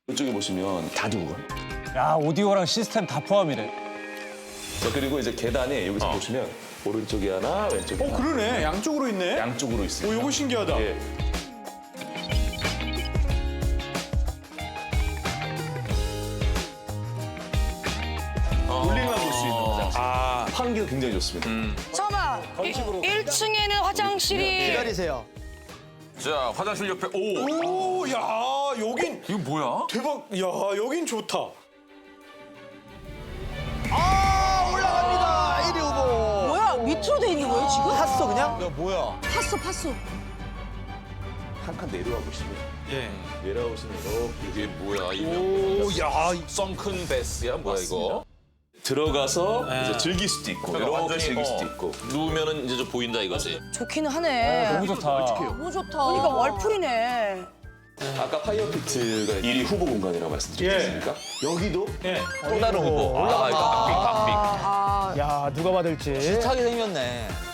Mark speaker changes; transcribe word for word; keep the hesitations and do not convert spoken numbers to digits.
Speaker 1: 이쪽에 보시면 다 두고 가.
Speaker 2: 야, 오디오랑 시스템 다 포함이래.
Speaker 1: 자, 그리고 이제 계단에 여기서
Speaker 3: 어.
Speaker 1: 보시면 오른쪽에 하나, 왼쪽에
Speaker 4: 어,
Speaker 1: 하나.
Speaker 4: 그러네. 양쪽으로 있네.
Speaker 1: 양쪽으로 있습니다.
Speaker 4: 오, 요거 신기하다.
Speaker 1: 예. 볼링만 볼 수 있는 화장실.
Speaker 3: 아,
Speaker 1: 환기도 굉장히 좋습니다.
Speaker 5: 잠깐만. 일 층에는 화장실이
Speaker 6: 기다리세요.
Speaker 3: 자, 화장실 옆에 오.
Speaker 4: 오, 야, 여긴
Speaker 3: 이거 뭐야?
Speaker 4: 대박. 야, 여긴 좋다.
Speaker 6: 아, 올라갑니다. 일 위 후보.
Speaker 5: 뭐야? 밑으로 돼 있는 거예요 지금?
Speaker 6: 탔어, 그냥?
Speaker 2: 야, 뭐야?
Speaker 5: 팠어 팠어.
Speaker 1: 한 칸 내려와 보시면
Speaker 3: 예.
Speaker 1: 내려오시면 이렇게
Speaker 3: 이게 뭐야? 이거
Speaker 4: 오, 야,
Speaker 3: 썬큰 베스야 뭐야 이거?
Speaker 1: 들어가서 이제 즐길 수도 있고
Speaker 3: 그러니까
Speaker 1: 이렇게 즐길
Speaker 3: 어,
Speaker 1: 수도 있고.
Speaker 3: 누우면은 이제 좀 보인다 이거지.
Speaker 5: 좋기는 하네.
Speaker 2: 너무 좋다.
Speaker 5: 너무 좋다. 그러니까 월풀이네.
Speaker 1: 아까 파이어피트가 일 위 후보 공간이라고 말씀드렸지
Speaker 4: 예.
Speaker 1: 않습니까? 여기도
Speaker 4: 예.
Speaker 3: 또 다른 후보. 올라가. 아, 이거 박빙 박빙.
Speaker 5: 아,
Speaker 6: 야, 누가 받을지.
Speaker 2: 차게 생겼네.